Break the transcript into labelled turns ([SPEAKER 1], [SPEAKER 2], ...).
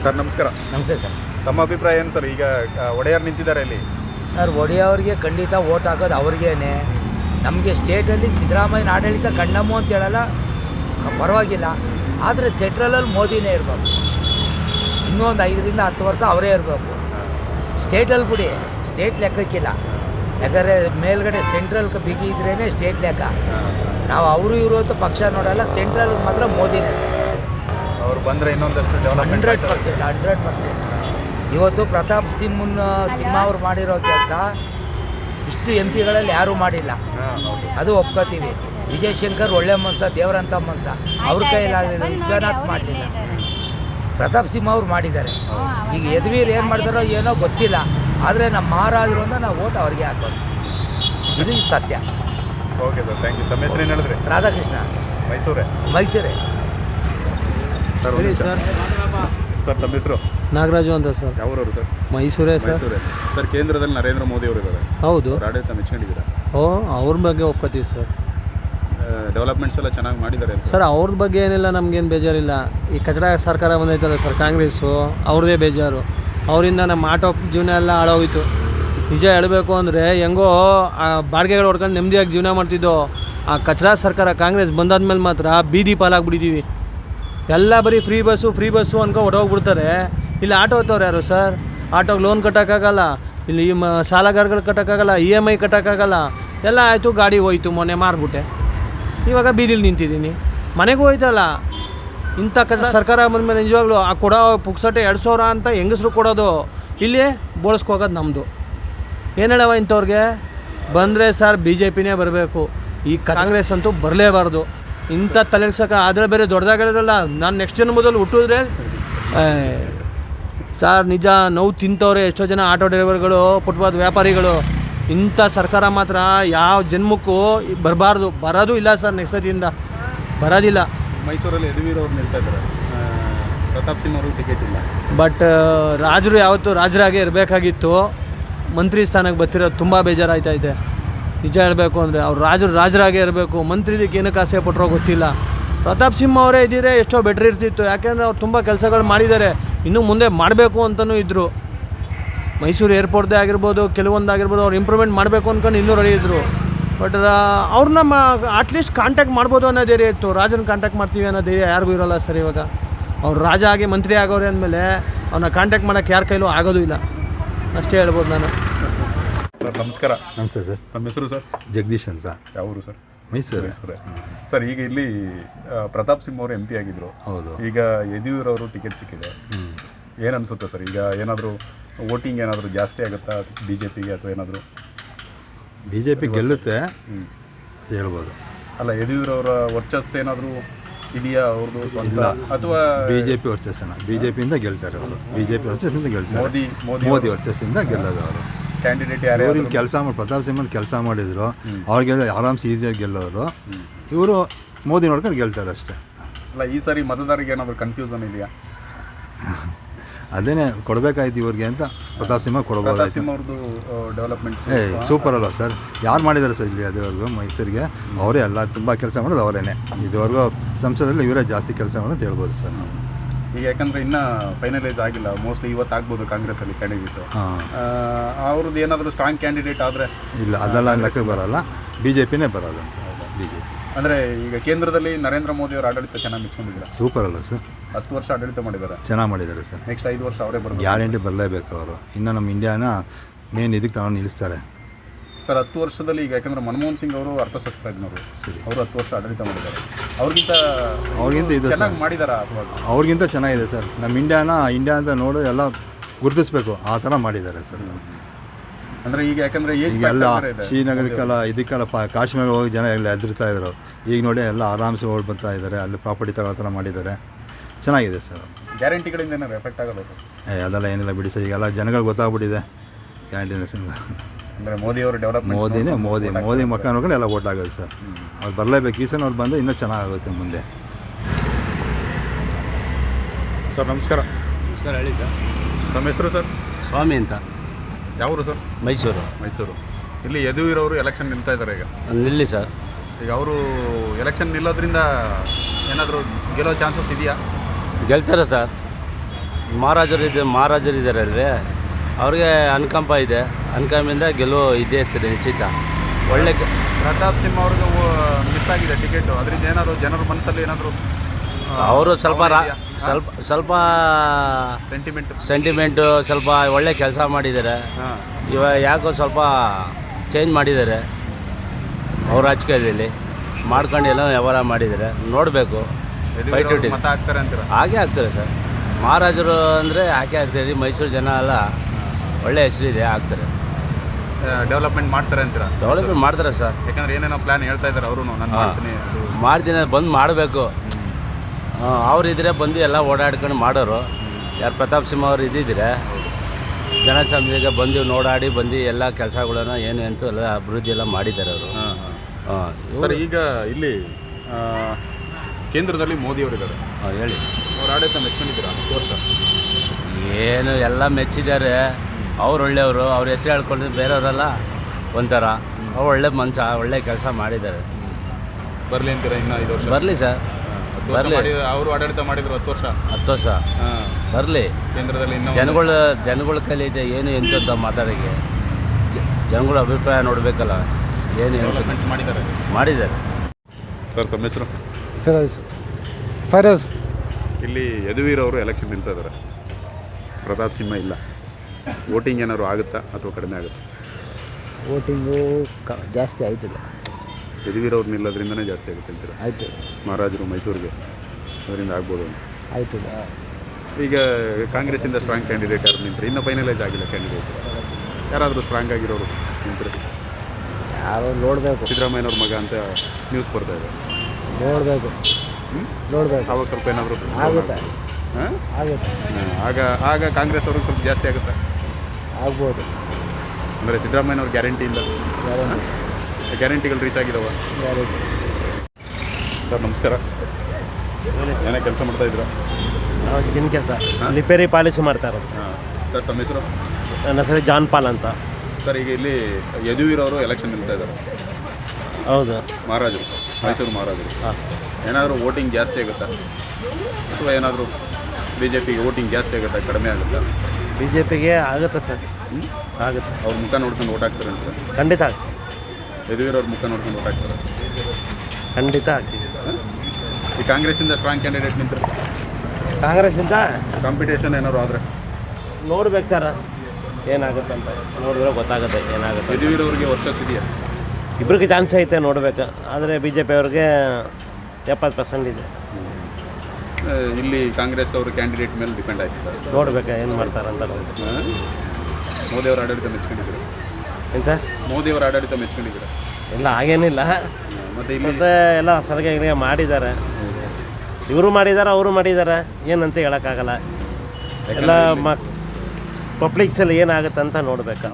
[SPEAKER 1] Sir ನಮಸ್ಕಾರ.
[SPEAKER 2] ನಮಸ್ತೆ sir.
[SPEAKER 1] ತಮ್ಮ ಅಭಿಪ್ರಾಯ ಏನು ಸರ್? ಈಗ ಒಡೆಯರ್ ನಿಂತಿದ್ದಾರೆ ಇಲ್ಲಿ
[SPEAKER 2] ಸರ್, ಒಡೆಯವ್ರಿಗೆ ಖಂಡಿತ ಓಟ್ ಹಾಕೋದು ಅವ್ರಿಗೇನೆ. ನಮಗೆ ಸ್ಟೇಟಲ್ಲಿ ಸಿದ್ದರಾಮಯ್ಯನ ಆಡಳಿತ ಕಣ್ಣಮ್ಮು ಅಂತ ಹೇಳಲ್ಲ, ಪರವಾಗಿಲ್ಲ. ಆದರೆ ಸೆಂಟ್ರಲಲ್ಲಿ ಮೋದಿನೇ ಇರಬೇಕು. ಇನ್ನೂ ಒಂದು 5 ರಿಂದ 10 ವರ್ಷ ಅವರೇ ಇರಬೇಕು. ಸ್ಟೇಟಲ್ಲಿ ಬಿಡಿ, ಸ್ಟೇಟ್ ಲೆಕ್ಕಕ್ಕಿಲ್ಲ. ಯಾಕಂದರೆ ಮೇಲ್ಗಡೆ ಸೆಂಟ್ರಲ್ ಬಿಗಿ ಇದ್ರೇ ಸ್ಟೇಟ್ ಲೆಕ್ಕ. ನಾವು ಅವರು ಇವರು ಅಂತ ಪಕ್ಷ ನೋಡಲ್ಲ, ಸೆಂಟ್ರಲ್ ಮಾತ್ರ ಮೋದಿನೇ.
[SPEAKER 1] ಅವ್ರು ಬಂದರೆ ಇನ್ನೊಂದಷ್ಟು ಡೆವಲಪ್ಮೆಂಟ್
[SPEAKER 2] 100%. ಇವತ್ತು ಪ್ರತಾಪ್ ಸಿಂಹ ಅವ್ರು ಮಾಡಿರೋ ಕೆಲಸ ಇಷ್ಟು MP ಗಳಲ್ಲಿ ಯಾರೂ ಮಾಡಿಲ್ಲ, ಅದು ಒಪ್ಕೋತೀವಿ. ವಿಜಯಶಂಕರ್ ಒಳ್ಳೆ ಮನ್ಸ, ದೇವರಂಥ ಮನ್ಸ, ಅವ್ರ ಕೈಲಾಗಲಿಲ್ಲ. ವಿಶ್ವನಾಥ್ ಮಾಡಲಿಲ್ಲ, ಪ್ರತಾಪ್ ಸಿಂಹ ಅವ್ರು ಮಾಡಿದ್ದಾರೆ. ಈಗ ಯದುವೀರ್ ಏನು ಮಾಡ್ತಾರೋ ಏನೋ ಗೊತ್ತಿಲ್ಲ, ಆದರೆ ನಮ್ಮ ಮಹಾರಾಜರು ಅಂತ ನಾವು ಓಟ್ ಅವ್ರಿಗೆ ಹಾಕೋದು, ಇದು ಸತ್ಯ.
[SPEAKER 1] Okay sir, thank you. ತಮ್ಮ ಹೆಸರು ಏನು ಹೇಳಿದ್ರಿ?
[SPEAKER 2] ರಾಧಾಕೃಷ್ಣ. ಮೈಸೂರೇ
[SPEAKER 1] ಸರ್. ಸರ್ ತಮ್ಮ ಹೆಸರು?
[SPEAKER 3] ನಾಗರಾಜು ಅಂತ ಸರ್.
[SPEAKER 1] ಯಾವೂರವರು ಸರ್?
[SPEAKER 3] ಮೈಸೂರೇ ಸರ್.
[SPEAKER 1] ಸರ್, ಕೇಂದ್ರದಲ್ಲಿ ನರೇಂದ್ರ ಮೋದಿ ಅವರು ಇದ್ದಾರೆ.
[SPEAKER 3] ಹೌದು.
[SPEAKER 1] ಆಡಳಿತ ಮೆಚ್ಕೊಂಡಿದ್ದೀರಾ?
[SPEAKER 3] ಅವ್ರ ಬಗ್ಗೆ ಒಪ್ಕೋತೀವಿ ಸರ್.
[SPEAKER 1] ಡೆವಲಪ್ಮೆಂಟ್ಸ್ ಎಲ್ಲ ಚೆನ್ನಾಗಿ ಮಾಡಿದ್ದಾರೆ
[SPEAKER 3] ಸರ್. ಅವ್ರ ಬಗ್ಗೆ ಏನಿಲ್ಲ, ನಮಗೇನು ಬೇಜಾರಿಲ್ಲ. ಈ ಕಚಡ ಸರ್ಕಾರ ಬಂದೈತಲ್ಲ ಸರ್, ಕಾಂಗ್ರೆಸ್ಸು, ಅವ್ರದ್ದೇ ಬೇಜಾರು. ಅವರಿಂದ ನಮ್ಮ ಆಟೋ ಜೀವನ ಎಲ್ಲ ಹಾಳೋಗಿತ್ತು. ನಿಜ ಹೇಳಬೇಕು ಅಂದರೆ ಹೆಂಗೋ ಬಾಡಿಗೆಗಳು ಹೊಡ್ಕೊಂಡು ನೆಮ್ಮದಿಯಾಗಿ ಜೀವನ ಮಾಡ್ತಿದ್ದೋ. ಆ ಕಚಡ ಸರ್ಕಾರ ಕಾಂಗ್ರೆಸ್ ಬಂದಾದ್ಮೇಲೆ ಮಾತ್ರ ಬೀದಿ ಪಾಲಾಗ್ಬಿಟ್ಟಿದ್ದೀವಿ. ಎಲ್ಲ ಬರೀ ಫ್ರೀ ಬಸ್ಸು ಅನ್ಕೊ ಹೊರಟೋಗ್ಬಿಡ್ತಾರೆ. ಇಲ್ಲಿ ಆಟೋ ಹೋಗ್ತವ್ರು ಯಾರು ಸರ್? ಆಟೋಗೆ ಲೋನ್ ಕಟ್ಟೋಕ್ಕಾಗಲ್ಲ, ಇಲ್ಲಿ ಸಾಲಗಾರಗಳು ಕಟ್ಟೋಕ್ಕಾಗಲ್ಲ, EMI ಕಟ್ಟೋಕ್ಕಾಗಲ್ಲ. ಎಲ್ಲ ಆಯಿತು, ಗಾಡಿ ಹೋಯ್ತು, ಮೊನ್ನೆ ಮಾರ್ಬಿಟ್ಟೆ. ಇವಾಗ ಬೀದಿಲಿ ನಿಂತಿದ್ದೀನಿ, ಮನೆಗೂ ಹೋಯ್ತಲ್ಲ. ಇಂಥ ಸರ್ಕಾರ ಬಂದಮೇಲೆ ನಿಜವಾಗ್ಲೂ ಆ ಕೊಡೋ ಪುಕ್ಸಟ್ಟೆ 2,000 ಅಂತ ಹೆಂಗಸ್ರು ಕೊಡೋದು, ಇಲ್ಲಿ ಬೋಳಿಸ್ಕೋಗೋದು ನಮ್ಮದು. ಏನು ಹೇಳವ ಇಂಥವ್ರಿಗೆ? ಬಂದರೆ ಸರ್ BJPನೇ ಬರಬೇಕು, ಈ ಕಾಂಗ್ರೆಸ್ ಅಂತೂ ಬರಲೇಬಾರ್ದು. ಇಂಥ ತಲೆಗ್ಸಕ್ಕೆ ಆದರೆ ಬೇರೆ ದೊಡ್ಡದಾಗಿ ಹೇಳಿದ್ರಲ್ಲ, ನಾನು ನೆಕ್ಸ್ಟ್ ಜನ್ಮದಲ್ಲಿ ಹುಟ್ಟಿದ್ರೆ ಸರ್ ನಿಜ ನೋವು ತಿಂತವ್ರೆ ಎಷ್ಟೋ ಜನ ಆಟೋ ಡ್ರೈವರ್ಗಳು, ಫುಟ್ಪಾತ್ ವ್ಯಾಪಾರಿಗಳು. ಇಂಥ ಸರ್ಕಾರ ಮಾತ್ರ ಯಾವ ಜನ್ಮಕ್ಕೂ ಬರಬಾರ್ದು, ಬರೋದು ಇಲ್ಲ ಸರ್. ನೆಕ್ಸ್ಟ್ ಸತಿಯಿಂದ ಬರೋದಿಲ್ಲ.
[SPEAKER 1] ಮೈಸೂರಲ್ಲಿ ಯದುವೀರ್ ಅವ್ರು ನಿಲ್ತಾ ಇದ್ದಾರೆ, ಪ್ರತಾಪ್ ಸಿಂಹ ಅವ್ರಿಗೆ ಟಿಕೆಟ್ ಇಲ್ಲ.
[SPEAKER 3] ಬಟ್ ರಾಜರು ಯಾವತ್ತೂ ರಾಜರಾಗೇ ಇರಬೇಕಾಗಿತ್ತು. ಮಂತ್ರಿ ಸ್ಥಾನಕ್ಕೆ ಬರ್ತಿರೋದು ತುಂಬ ಬೇಜಾರಾಯ್ತೈತೆ ನಿಜ ಹೇಳಬೇಕು ಅಂದರೆ. ಅವ್ರು ರಾಜರಾಗೇ ಇರಬೇಕು. ಮಂತ್ರಿದಕ್ಕೆ ಏನಕ್ಕೆ ಆಸೆ ಪಟ್ಟರೋ ಗೊತ್ತಿಲ್ಲ. ಪ್ರತಾಪ್ ಸಿಂಹ ಅವರೇ ಇದ್ದಿದ್ರೆ ಎಷ್ಟೋ ಬೆಟ್ರ್ ಇರ್ತಿತ್ತು. ಯಾಕೆಂದರೆ ಅವ್ರು ತುಂಬ ಕೆಲಸಗಳು ಮಾಡಿದ್ದಾರೆ, ಇನ್ನೂ ಮುಂದೆ ಮಾಡಬೇಕು ಅಂತಲೂ ಇದ್ದರು. ಮೈಸೂರು ಏರ್ಪೋರ್ಟ್ದೇ ಆಗಿರ್ಬೋದು, ಕೆಲವೊಂದಾಗಿರ್ಬೋದು, ಅವ್ರು ಇಂಪ್ರೂವ್ಮೆಂಟ್ ಮಾಡಬೇಕು ಅಂದ್ಕೊಂಡು ಇನ್ನೂ ರೆಡಿ ಇದ್ದರು. ಬಟ್ ಅವ್ರನ್ನ ಅಟ್ಲೀಸ್ಟ್ ಕಾಂಟ್ಯಾಕ್ಟ್ ಮಾಡ್ಬೋದು ಅನ್ನೋ ಧೈರ್ಯ ಇತ್ತು. ರಾಜನ ಕಾಂಟ್ಯಾಕ್ಟ್ ಮಾಡ್ತೀವಿ ಅನ್ನೋ ಧೈರ್ಯ ಯಾರಿಗೂ ಇರೋಲ್ಲ ಸರ್. ಇವಾಗ ಅವ್ರು ರಾಜ ಆಗಿ ಮಂತ್ರಿ ಆಗೋರೆ ಅಂದಮೇಲೆ ಅವ್ರನ್ನ ಕಾಂಟ್ಯಾಕ್ಟ್ ಮಾಡೋಕ್ಕೆ ಯಾರ ಕೈಲೂ ಆಗೋದು ಇಲ್ಲ, ಅಷ್ಟೇ ಹೇಳ್ಬೋದು ನಾನು.
[SPEAKER 1] ಸರ್ ನಮಸ್ಕಾರ.
[SPEAKER 4] ನಮಸ್ತೆ ಸರ್.
[SPEAKER 1] ನಮ್ಮ ಹೆಸರು ಸರ್?
[SPEAKER 4] ಜಗದೀಶ್ ಅಂತ.
[SPEAKER 1] ಯಾವೂರು ಸರ್?
[SPEAKER 4] ಮೈಸೂರೇ.
[SPEAKER 1] ಸರ್, ಈಗ ಇಲ್ಲಿ ಪ್ರತಾಪ್ ಸಿಂಹ ಅವರು MP ಆಗಿದ್ರು.
[SPEAKER 4] ಹೌದು.
[SPEAKER 1] ಈಗ ಯದುವೀರ್ ಅವರು ಟಿಕೆಟ್ ಸಿಕ್ಕಿದೆ. ಏನು ಅನಿಸುತ್ತೆ ಸರ್? ಈಗ ಏನಾದರೂ ವೋಟಿಂಗ್ ಏನಾದರೂ ಜಾಸ್ತಿ ಆಗುತ್ತಾ BJPಗೆ, ಅಥವಾ ಏನಾದರೂ?
[SPEAKER 4] BJP ಗೆಲ್ಲುತ್ತೆ ಅಂತ ಹೇಳ್ಬೋದು.
[SPEAKER 1] ಅಲ್ಲ, ಯದುವೀರ್ ಅವರ ವರ್ಚಸ್ಸು ಏನಾದರೂ ಇದೆಯಾ ಅವ್ರದ್ದು ಸ್ವಂತ, ಅಥವಾ
[SPEAKER 4] BJP ವರ್ಚಸ್ಸನ್ನ BJPಯಿಂದ ಗೆಲ್ತಾರೆ ಅವರು. BJP ವರ್ಚಸ್ಸಿಂದ ಗೆಲ್ತಾರೆ. ಮೋದಿ ವರ್ಚಸ್ಸಿಂದ ಗೆಲ್ಲೋದು ಅವರು.
[SPEAKER 1] ಕ್ಯಾಂಡಿಡೇಟ್ ಯಾರು
[SPEAKER 4] ಇವ್ರಿಗೆ ಕೆಲಸ ಮಾಡಿ ಪ್ರತಾಪ್ ಸಿಂಹನ್ ಕೆಲಸ ಮಾಡಿದ್ರು, ಅವ್ರಿಗೆ ಆರಾಮ್ಸೆ ಈಸಿಯಾಗಿ ಗೆಲ್ಲೋರು. ಇವರು ಮೋದಿ ನೋಡ್ಕೊಂಡು ಗೆಲ್ತಾರೆ ಅಷ್ಟೇ.
[SPEAKER 1] ಅಲ್ಲ, ಈ ಸಾರಿ ಮತದಾರರಿಗೆ ಏನಾದರೂ ಕನ್ಫ್ಯೂಷನ್ ಇದೆಯಾ?
[SPEAKER 4] ಅದೇನೇ ಕೊಡಬೇಕಾಯ್ತು ಇವ್ರಿಗೆ ಅಂತ ಪ್ರತಾಪ್ ಸಿಂಹ ಕೊಡ್ಬೋದಾಯ್ತು.
[SPEAKER 1] ಅವ್ರದ್ದು ಡೆವಲಪ್ಮೆಂಟ್ಸ್
[SPEAKER 4] ಸೂಪರ್ ಅಲ್ವ ಸರ್? ಯಾರು ಮಾಡಿದ್ದಾರೆ ಸರ್ ಇಲ್ಲಿ ಅದುವರೆಗೂ ಮೈಸೂರಿಗೆ? ಅವರೇ ಅಲ್ಲ, ತುಂಬ ಕೆಲಸ ಮಾಡೋದು ಅವರೇನೆ. ಇದುವರೆಗೂ ಸಂಸದಲ್ಲಿ ಇವರೇ ಜಾಸ್ತಿ ಕೆಲಸ ಮಾಡೋದು ಹೇಳ್ಬೋದು ಸರ್ ನಾವು.
[SPEAKER 1] ಈಗ ಯಾಕಂದರೆ ಇನ್ನೂ ಫೈನಲೈಸ್ ಆಗಿಲ್ಲ, ಮೋಸ್ಟ್ಲಿ ಇವತ್ತು ಆಗ್ಬೋದು ಕಾಂಗ್ರೆಸ್ಸಲ್ಲಿ ಕ್ಯಾಂಡಿಡೇಟು. ಅವ್ರದ್ದು ಏನಾದರೂ ಸ್ಟ್ರಾಂಗ್ ಕ್ಯಾಂಡಿಡೇಟ್ ಆದರೆ? ಇಲ್ಲ, ಅದೆಲ್ಲ
[SPEAKER 4] ಲೆಕ್ಕಕ್ಕೆ ಬರೋಲ್ಲ, BJPನೇ ಬರೋದು. BJP
[SPEAKER 1] ಅಂದರೆ ಈಗ ಕೇಂದ್ರದಲ್ಲಿ ನರೇಂದ್ರ ಮೋದಿ ಅವರ ಆಡಳಿತ ಚೆನ್ನಾಗಿ ಮೆಚ್ಕೊಂಡಿದ್ದಾರೆ.
[SPEAKER 4] ಸೂಪರ್ ಅಲ್ಲ ಸರ್?
[SPEAKER 1] 10 ವರ್ಷ ಆಡಳಿತ ಮಾಡಿದ್ದಾರೆ,
[SPEAKER 4] ಚೆನ್ನಾಗಿ ಮಾಡಿದ್ದಾರೆ ಸರ್.
[SPEAKER 1] ನೆಕ್ಸ್ಟ್ 5 ವರ್ಷ ಅವರೇ ಬರೋದು
[SPEAKER 4] ಗ್ಯಾರಂಟಿ ಬರಲೇಬೇಕು ಅವರು. ಇನ್ನು ನಮ್ಮ ಇಂಡಿಯಾನ ಮೇನ್ ಇದಕ್ಕೆ ತಗೊಂಡು ನಿಲ್ಲಿಸ್ತಾರೆ
[SPEAKER 1] ಸರ್. 10 ವರ್ಷದಲ್ಲಿ ಈಗ ಯಾಕಂದರೆ ಮನಮೋಹನ್ ಸಿಂಗ್ ಅವರು ಅರ್ಥಶಾಸ್ತ್ರಜ್ಞರು, ಅವರು 10 ವರ್ಷ ಆಡಳಿತ ಮಾಡಿದ್ದಾರೆ. ಅವ್ರಿಗಿಂತ ಇದು ಚೆನ್ನಾಗಿ ಮಾಡಿದಾರಾ?
[SPEAKER 4] ಅವ್ರಿಗಿಂತ ಚೆನ್ನಾಗಿದೆ ಸರ್. ನಮ್ಮ ಇಂಡಿಯಾ ಅಂತ ನೋಡಿ ಎಲ್ಲ ಗುರುತಿಸ್ಬೇಕು, ಆ ಥರ ಮಾಡಿದ್ದಾರೆ ಸರ್.
[SPEAKER 1] ಅಂದರೆ ಈಗ ಯಾಕಂದರೆ
[SPEAKER 4] ಈಗೆಲ್ಲ ಶ್ರೀನಗರಕ್ಕೆಲ್ಲ ಇದಕ್ಕೆಲ್ಲ ಕಾಶ್ಮೀರ ಹೋಗಿ ಜನ ಎಲ್ಲ ಹೆದರ್ತಾ ಇದ್ರು. ಈಗ ನೋಡಿ ಎಲ್ಲ ಆರಾಮ್ಸೆ ಓಡ್ ಬರ್ತಾ ಇದ್ದಾರೆ, ಅಲ್ಲಿ ಪ್ರಾಪರ್ಟಿ ತಗೊಳ್ಳೋ ಥರ ಮಾಡಿದ್ದಾರೆ. ಚೆನ್ನಾಗಿದೆ ಸರ್.
[SPEAKER 1] ಗ್ಯಾರಂಟಿಗಳಿಂದ ಏನಾದ್ರು ಎಫೆಕ್ಟ್ ಆಗೋಲ್ಲ ಸರ್?
[SPEAKER 4] ಅದೆಲ್ಲ ಏನಿಲ್ಲ ಬಿಡಿ ಸರ್, ಈಗೆಲ್ಲ ಜನಗಳು ಗೊತ್ತಾಗ್ಬಿಟ್ಟಿದೆ ಗ್ಯಾರಂಟಿ.
[SPEAKER 1] ಅಂದರೆ ಮೋದಿಯವರು
[SPEAKER 4] ಡೆವಲಪ್ಮೆಂಟ್ ಮೋದಿ ಮಕ್ಕ ನೋಡ್ಕೊಂಡು ಎಲ್ಲ ಓಟ್ ಆಗೋದು ಸರ್. ಅವ್ರು ಬರಲೇಬೇಕು. ಈ ಸಲ ಅವ್ರು ಬಂದರೆ ಇನ್ನೂ ಚೆನ್ನಾಗುತ್ತೆ ಮುಂದೆ.
[SPEAKER 1] ಸರ್ ನಮಸ್ಕಾರ.
[SPEAKER 2] ನಮಸ್ಕಾರ, ಹೇಳಿ ಸರ್.
[SPEAKER 1] ನಮ್ಮ ಹೆಸರು ಸರ್?
[SPEAKER 2] ಸ್ವಾಮಿ ಅಂತ.
[SPEAKER 1] ಯಾವರು ಸರ್? ಮೈಸೂರು. ಇಲ್ಲಿ ಯದುವೀರ್ ಅವರು ಎಲೆಕ್ಷನ್ ನಿಲ್ತಾ ಇದ್ದಾರೆ ಈಗ.
[SPEAKER 2] ನಿಲ್ಲಿ ಸರ್.
[SPEAKER 1] ಈಗ ಅವರು ಎಲೆಕ್ಷನ್ ನಿಲ್ಲೋದ್ರಿಂದ ಏನಾದರೂ ಗೆಲ್ಲೋ ಚಾನ್ಸಸ್ ಇದೆಯಾ?
[SPEAKER 2] ಗೆಲ್ತಾರೆ ಸರ್.
[SPEAKER 5] ಮಹಾರಾಜರು ಇದ್ದಾರಲ್ವೇ ಅವ್ರಿಗೆ ಅನುಕಂಪ ಇದೆ. ಅನುಕಂಪದಿಂದ ಗೆಲುವು ಇದ್ದೇ ಇರ್ತದೆ ನಿಶ್ಚಿತ. ಒಳ್ಳೆ
[SPEAKER 1] ಪ್ರತಾಪ್ ಸಿಂಹ ಅವ್ರಿಗೆ ಮಿಸ್ ಆಗಿದೆ ಟಿಕೆಟು, ಅದರಿಂದ ಏನಾದರೂ ಜನರ ಮನಸ್ಸಲ್ಲಿ ಏನಾದರೂ
[SPEAKER 5] ಅವರು ಸ್ವಲ್ಪ ಸೆಂಟಿಮೆಂಟು ಸ್ವಲ್ಪ ಒಳ್ಳೆ ಕೆಲಸ ಮಾಡಿದ್ದಾರೆ. ಇವಾಗ ಯಾಕೋ ಸ್ವಲ್ಪ ಚೇಂಜ್ ಮಾಡಿದ್ದಾರೆ ಅವ್ರ ರಾಜಕೀಯದಲ್ಲಿ ಮಾಡ್ಕೊಂಡು ಎಲ್ಲ ವ್ಯವಹಾರ ಮಾಡಿದ್ದಾರೆ. ನೋಡಬೇಕು, ಫೈಟ್
[SPEAKER 1] ಮತ ಆಗ್ತಾರೆ ಅಂತೀರ?
[SPEAKER 5] ಹಾಗೆ ಆಗ್ತಾರೆ ಸರ್. ಮಹಾರಾಜರು ಅಂದರೆ ಹಾಗೆ ಆಗ್ತಾರೆ. ಮೈಸೂರು ಜನ ಎಲ್ಲ ಒಳ್ಳೆ ಹೆಸರಿದೆ, ಆಗ್ತಾರೆ.
[SPEAKER 1] ಡೆವಲಪ್ಮೆಂಟ್ ಮಾಡ್ತಾರೆ ಅಂತೀರ?
[SPEAKER 5] ಡೆವಲಪ್ಮೆಂಟ್ ಮಾಡ್ತಾರೆ ಸರ್.
[SPEAKER 1] ಯಾಕಂದ್ರೆ ಏನೇನೋ ಪ್ಲಾನ್ ಹೇಳ್ತಾ ಇದ್ದಾರೆ ಅವರು, ನಾನು
[SPEAKER 5] ಮಾಡ್ತೀನಿ ಬಂದು ಮಾಡಬೇಕು. ಅವರಿದ್ರೆ ಬಂದು ಎಲ್ಲ ಓಡಾಡ್ಕೊಂಡು ಮಾಡೋರು. ಯಾರು ಪ್ರತಾಪ್ ಸಿಂಹ ಅವರು ಇದ್ದಿದ್ರೆ ಜನಸಂಖ್ಯೆಗೆ ಬಂದು ನೋಡಾಡಿ ಬಂದು ಎಲ್ಲ ಕೆಲಸಗಳನ್ನ ಏನು ಅಂತ ಎಲ್ಲ ಅಭಿವೃದ್ಧಿ ಎಲ್ಲ ಮಾಡಿದ್ದಾರೆ ಅವರು.
[SPEAKER 1] ಸರ್, ಈಗ ಇಲ್ಲಿ ಕೇಂದ್ರದಲ್ಲಿ ಮೋದಿ ಅವರಿದ್ದಾರೆ,
[SPEAKER 5] ಹೇಳಿ.
[SPEAKER 1] ಅವ್ರ ಆಡಳಿತ ಮೆಚ್ಕೊಂಡಿದ್ದೀರಾ 10 ವರ್ಷ?
[SPEAKER 5] ಏನು ಎಲ್ಲ ಮೆಚ್ಚಿದ್ದಾರೆ. ಅವ್ರು ಒಳ್ಳೆಯವರು. ಅವ್ರ ಹೆಸರು ಹೇಳ್ಕೊಂಡು ಬೇರೆಯವರೆಲ್ಲ ಒಂಥರ. ಅವ್ರು ಒಳ್ಳೆ ಮನುಷ್ಯ, ಒಳ್ಳೆ ಕೆಲಸ ಮಾಡಿದ್ದಾರೆ.
[SPEAKER 1] ಬರಲಿ ಅಂತೀರಾ ಇನ್ನೂ 5 ವರ್ಷ?
[SPEAKER 5] ಬರಲಿ ಸರ್, ಬರಲಿ.
[SPEAKER 1] ಅವರು ಆಡಳಿತ ಮಾಡಿದ್ರು 10 ವರ್ಷ.
[SPEAKER 5] 10 ವರ್ಷ ಬರಲಿ.
[SPEAKER 1] ಕೇಂದ್ರದಲ್ಲಿ ಇನ್ನೂ
[SPEAKER 5] ಜನಗಳ ಕೈಲಿದೆ ಏನು ಎಂತ ಮಾತಾಡೋಕ್ಕೆ. ಜನಗಳ ಅಭಿಪ್ರಾಯ ನೋಡಬೇಕಲ್ಲ. ಏನು
[SPEAKER 1] ಡೆವಲಪ್ಮೆಂಟ್ಸ್
[SPEAKER 5] ಮಾಡಿದ್ದಾರೆ.
[SPEAKER 1] ಸರ್, ತಮ್ಮ ಹೆಸರು?
[SPEAKER 3] ಫೈರೋಸ್.
[SPEAKER 1] ಇಲ್ಲಿ ಯದುವೀರ್ ಅವರು ಎಲೆಕ್ಷನ್ ನಿಲ್ತಾ ಇದ್ದಾರೆ, ಪ್ರತಾಪ್ ಸಿಂಹ ಇಲ್ಲ. ವೋಟಿಂಗ್ ಏನಾದ್ರು ಆಗುತ್ತಾ ಅಥವಾ ಕಡಿಮೆ ಆಗುತ್ತಾ?
[SPEAKER 2] ವೋಟಿಂಗು ಜಾಸ್ತಿ ಆಯ್ತದೆ.
[SPEAKER 1] ಯದುವೀರ್ ಅವ್ರು ನಿಲ್ಲೋದ್ರಿಂದನೇ ಜಾಸ್ತಿ ಆಗುತ್ತೆ ಅಂತೀರ?
[SPEAKER 2] ಆಯಿತು.
[SPEAKER 1] ಮಹಾರಾಜರು ಮೈಸೂರಿಗೆ ಅದರಿಂದ ಆಗ್ಬೋದು ಅಂತ.
[SPEAKER 2] ಆಯ್ತದೆ.
[SPEAKER 1] ಈಗ ಕಾಂಗ್ರೆಸ್ಸಿಂದ ಸ್ಟ್ರಾಂಗ್ ಕ್ಯಾಂಡಿಡೇಟ್ ಯಾರು ನಿಂತರೆ? ಇನ್ನೂ ಫೈನಲೈಸ್ ಆಗಿಲ್ಲ ಕ್ಯಾಂಡಿಡೇಟ್. ಯಾರಾದರೂ ಸ್ಟ್ರಾಂಗ್ ಆಗಿರೋರು ನಿಂತರೆ?
[SPEAKER 2] ಯಾರೋ ನೋಡಬೇಕು.
[SPEAKER 1] ಸಿದ್ದರಾಮಯ್ಯನವ್ರ ಮಗ ಅಂತ ನ್ಯೂಸ್ ಬರ್ತಾ ಇದೆ.
[SPEAKER 2] ನೋಡಬೇಕು.
[SPEAKER 1] ಅವಾಗ ಸ್ವಲ್ಪ ಏನಾದರೂ
[SPEAKER 2] ಆಗುತ್ತೆ.
[SPEAKER 1] ಹಾಂ,
[SPEAKER 2] ಆಗುತ್ತೆ.
[SPEAKER 1] ಆಗ ಕಾಂಗ್ರೆಸ್ ಅವ್ರಿಗೆ ಸ್ವಲ್ಪ ಜಾಸ್ತಿ ಆಗುತ್ತೆ,
[SPEAKER 2] ಆಗ್ಬೋದು.
[SPEAKER 1] ಅಂದರೆ ಸಿದ್ದರಾಮಯ್ಯನವ್ರ ಗ್ಯಾರಂಟಿ ಇಲ್ಲ, ಗ್ಯಾರಂಟಿಗಳು ರೀಚ್ ಆಗಿದಾವ? ಸರ್, ನಮಸ್ಕಾರ. ಏನೇ ಕೆಲಸ ಮಾಡ್ತಾ ಇದ್ದೀರಾ?
[SPEAKER 6] ನಾವು ಏನು ಕೆಲಸ? ರಿಪೇರಿ ಪಾಲಿಸಿ ಮಾಡ್ತಾ ಇರೋದು.
[SPEAKER 1] ಹಾಂ. ಸರ್, ತಮ್ಮ ಹೆಸರು?
[SPEAKER 6] ನನ್ನ ಹೆಸರು ಜಾನ್ ಪಾಲ್ ಅಂತ.
[SPEAKER 1] ಸರ್, ಈಗ ಇಲ್ಲಿ ಯದುವೀರ್ ಅವರು ಎಲೆಕ್ಷನ್ ನಿಲ್ತಾ ಇದ್ದಾರೆ.
[SPEAKER 6] ಹೌದು.
[SPEAKER 1] ಮಹಾರಾಜರು, ಮೈಸೂರು ಮಹಾರಾಜರು. ಏನಾದರೂ ವೋಟಿಂಗ್ ಜಾಸ್ತಿ ಆಗುತ್ತಾ ಅಥವಾ ಏನಾದರೂ BJPಗೆ ವೋಟಿಂಗ್ ಜಾಸ್ತಿ ಆಗುತ್ತಾ ಕಡಿಮೆ ಆಗುತ್ತಾ?
[SPEAKER 6] BJPಗೆ ಆಗುತ್ತೆ ಸರ್, ಆಗುತ್ತೆ.
[SPEAKER 1] ಅವ್ರ ಮುಖ ನೋಡ್ಕೊಂಡು ಓಟ್ ಹಾಕ್ತಾರೆ ಅಂತ?
[SPEAKER 6] ಖಂಡಿತ ಆಗುತ್ತೆ.
[SPEAKER 1] ಯದುವೀರ್ ಅವ್ರ ಮುಖ ನೋಡ್ಕೊಂಡು ಓಟ್ ಹಾಕ್ತಾರೆ?
[SPEAKER 6] ಖಂಡಿತ ಆಗ್ತೀವಿ.
[SPEAKER 1] ಈ ಕಾಂಗ್ರೆಸ್ಸಿಂದ ಸ್ಟ್ರಾಂಗ್ ಕ್ಯಾಂಡಿಡೇಟ್ ನಿಂತರೆ?
[SPEAKER 6] ಕಾಂಗ್ರೆಸ್ಸಿಂದ
[SPEAKER 1] ಕಾಂಪಿಟೇಷನ್ ಏನಾದ್ರು ಆದರೆ
[SPEAKER 6] ನೋಡ್ಬೇಕು ಸರ್, ಏನಾಗುತ್ತೆ ಅಂತ ನೋಡಿದ್ರೆ ಗೊತ್ತಾಗುತ್ತೆ ಏನಾಗುತ್ತೆ.
[SPEAKER 1] ಯದುವೀರ್ ಅವ್ರಿಗೆ ವರ್ಚಸ್ ಇದೆಯಾ?
[SPEAKER 6] ಇಬ್ರಿಗೆ ಚಾನ್ಸ್ ಐತೆ, ನೋಡಬೇಕು. ಆದರೆ BJP ಅವ್ರಿಗೆ 70% ಇದೆ.
[SPEAKER 1] ಇಲ್ಲಿ ಕಾಂಗ್ರೆಸ್ ಅವರು ಕ್ಯಾಂಡಿಡೇಟ್ ಮೇಲೆ ಡಿಪೆಂಡ್ ಆಗ್ತಿದ್ದಾರೆ.
[SPEAKER 6] ನೋಡ್ಬೇಕು ಏನು ಮಾಡ್ತಾರೆ ಅಂತ.
[SPEAKER 1] ಮೋದಿ ಅವರ ಆಡಳಿತ ಮೆಚ್ಕೊಂಡಿದ್ದೀರಾ?
[SPEAKER 6] ಏನು ಸರ್?
[SPEAKER 1] ಮೋದಿ ಅವರ ಆಡಳಿತ ಮೆಚ್ಕೊಂಡಿದ್ದೀರಾ?
[SPEAKER 6] ಇಲ್ಲ, ಹಾಗೇನಿಲ್ಲ.
[SPEAKER 1] ಮತ್ತು ಇಲ್ಲಿ
[SPEAKER 6] ಮತ್ತೆ ಎಲ್ಲ ಸಲಹೆ ಮಾಡಿದ್ದಾರೆ, ಇವರು ಮಾಡಿದ್ದಾರೆ, ಅವರು ಮಾಡಿದ್ದಾರೆ. ಏನಂತ ಹೇಳೋಕ್ಕಾಗಲ್ಲ. ಎಲ್ಲ ಪಬ್ಲಿಕ್ಸಲ್ಲಿ ಏನಾಗುತ್ತೆ ಅಂತ ನೋಡಬೇಕು.